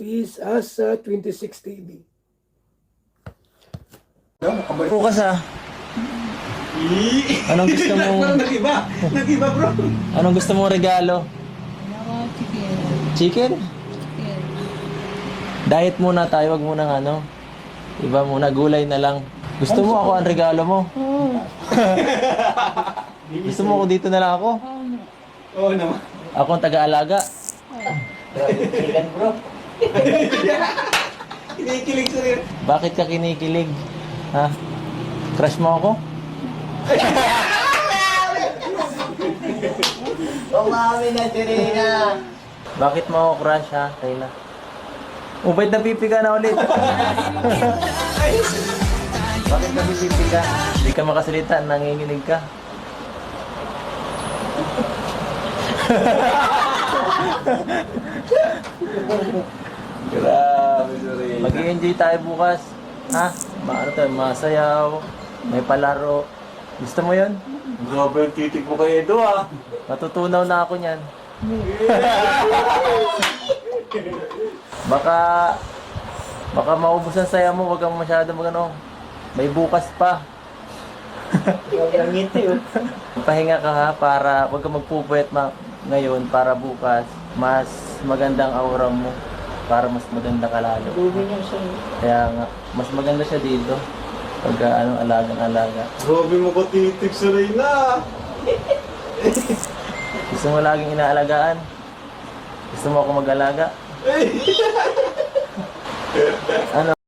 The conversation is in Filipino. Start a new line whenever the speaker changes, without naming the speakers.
is Asa 26 TV.
Bukas ah. Anong gusto mong
Nag-iba bro.
Anong gusto mong regalo?
Ako, chicken.
Chicken?
Chicken.
Diet muna tayo, wag muna ano. Iba muna, gulay na lang. Gusto mo ako ang regalo mo? Gusto mo ako dito na lang ako?
Oo naman.
Ako ang taga-alaga.
Chicken bro. Kinikilig sa rin.
Bakit ka kinikilig? Ha? Crush mo ako?
Umami na Serena.
Bakit mo ako crush ha, Kayla? Ba't napipi ka na ulit? Bakit napipi ka? Hindi ka makasalita, nanginginig ka.
Grabe Serena.
Mag-i-enjoy tayo bukas. Ha? Maano tayo, masayaw, may palaro. Gusto mo yun?
Grabe yung titig mo kay Edo ah.
Matutunaw na ako niyan. Baka maubos ang saya mo, wag kang masyado magano. May bukas pa.
Ang ngiti oh.
Pahinga ka ha, para wag kang magpupuyat ngayon para bukas mas magandang aura mo, para mas maganda ka lalo. Kaya nga, mas maganda siya dito pag alagang-alaga.
Grabe mo ko titig Serena.
Gusto mo laging inaalagaan? Gusto mo ako mag-alaga? Ano?